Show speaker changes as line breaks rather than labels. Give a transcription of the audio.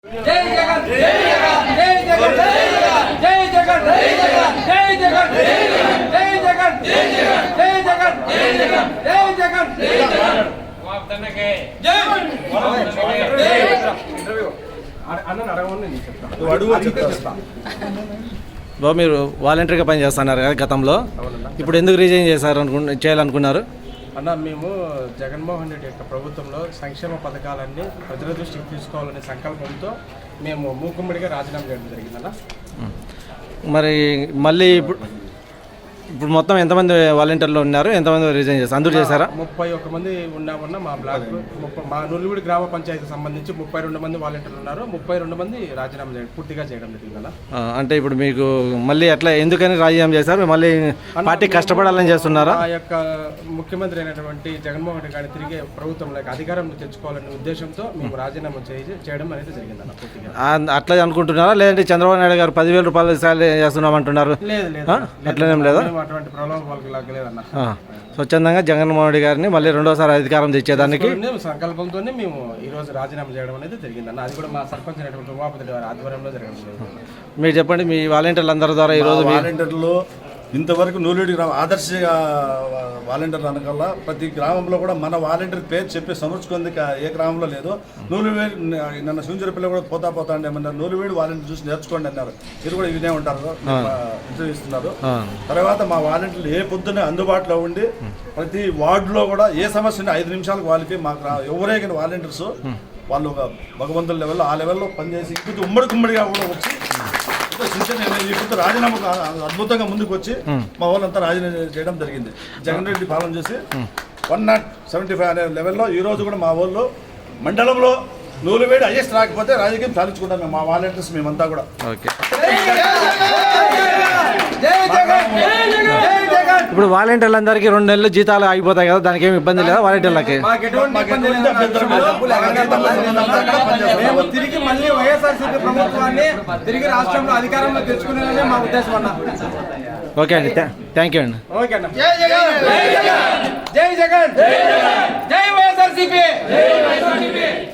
బాబు మీరు వాలంటీర్గా పని చేస్తున్నారు కదా గతంలో, ఇప్పుడు ఎందుకు రిజైన్ చేయాలనుకున్నారు?
అన్న, మేము జగన్మోహన్ రెడ్డి యొక్క ప్రభుత్వంలో సంక్షేమ పథకాలన్నీ ప్రజల దృష్టికి తీసుకోవాలనే సంకల్పంతో మేము మూకుమ్మడిగా రాజీనామా చేయడం జరిగిందన్న.
మరి మళ్ళీ ఇప్పుడు మొత్తం ఎంతమంది వాలంటీర్లు ఉన్నారు, ఎంతమంది రిజైన్ చేస్తారు? అందరూ చేశారా?
31 మంది ఉన్నామన్న. మా బ్లాక్ మా నుల్లివిడి గ్రామ పంచాయతీకి సంబంధించి 32 మంది వాలంటీర్లు ఉన్నారు. 32 మంది రాజీనామా పూర్తిగా చేయడం జరిగిందన్న.
అంటే ఇప్పుడు మీకు మళ్ళీ ఎట్లా, ఎందుకని రాజీనామా చేశారు? మళ్ళీ పార్టీ కష్టపడాలని చేస్తున్నారా?
ఆ యొక్క ముఖ్యమంత్రి అయినటువంటి జగన్మోహన్ రెడ్డి గారిని తిరిగి ప్రభుత్వంలోకి అధికారం తెచ్చుకోవాలనే ఉద్దేశంతో మేము రాజీనామా చేయడం అనేది జరిగిందన్న. పూర్తిగా అట్లా
అనుకుంటున్నారా, లేదంటే చంద్రబాబు నాయుడు గారు 10,000 రూపాయలు సాలరీ చేస్తున్నామంటున్నారు?
లేదు,
అట్లనేం లేదా?
అటువంటి ప్రలోభాలకు లాగలేదన్న.
స్వచ్ఛందంగా జగన్మోహన్ రెడ్డి గారిని మళ్ళీ రెండోసారి అధికారం తెచ్చేదానికి
సంకల్పంతోనే మేము ఈ రోజు రాజీనామా చేయడం అనేది జరిగిందన్న. అది కూడా మా సర్పంచ్ అయినటువంటి ఉమాపతి గారి ఆధ్వర్యంలో జరగడం.
మీరు చెప్పండి, మీ వాలంటీర్లు అందరి ద్వారా ఈరోజు
వాలంటీర్లు ఇంతవరకు నూలిడి గ్రామం ఆదర్శ వాలంటీర్లు అనకల్లా ప్రతి గ్రామంలో కూడా మన వాలంటీర్ పేరు చెప్పి సమర్చుకుంది ఏ గ్రామంలో లేదు. నూలువేడి నన్ను సూంజరపల్లి కూడా పోతా అండి ఏమన్నారు, నూలువేడి వాలంటీర్ చూసి నేర్చుకోండి అన్నారు. మీరు కూడా వినే ఉంటారు, ఇంటర్వ్యూ ఇస్తున్నారు. తర్వాత మా వాలంటీర్లు ఏ పొద్దున్నే అందుబాటులో ఉండి ప్రతి వార్డులో కూడా ఏ సమస్య ఉంటే 5 నిమిషాలకు వాళ్ళకి మాకు ఎవరైనా వాలంటీర్స్ వాళ్ళు ఒక భగవంతుల లెవెల్లో ఆ లెవెల్లో పనిచేసి ఇప్పుడు ఉమ్మడిగా కూడా వచ్చి ఇప్పుడు రాజీనామా అద్భుతంగా ముందుకు వచ్చి మా వాళ్ళంతా రాజీనామా చేయడం జరిగింది. జగన్ రెడ్డి పాలన చేసి 175 అనే లెవెల్లో ఈ రోజు కూడా మా వాళ్ళు మండలంలో నూలువేడి హైయెస్ట్ రాకపోతే రాజకీయం సాధించుకుంటాం మేము, మా వాలంటీర్స్ మేమంతా కూడా.
ఇప్పుడు వాలంటీర్లందరికీ 2 నెలలు జీతాలు ఆగిపోతాయి కదా, దానికి ఏమి ఇబ్బంది లేదా వాలంటీర్లకి?
తిరిగి మళ్ళీ వైఎస్ఆర్సీపీ ప్రభుత్వాన్ని తిరిగి రాష్ట్రంలో అధికారంలో తెచ్చుకునేదే మా ఉద్దేశం అన్న.
ఓకే అండి, థ్యాంక్ యూ అండి.
ఓకే అన్న. జై జగన్, జై వైఎస్ఆర్సీపీ.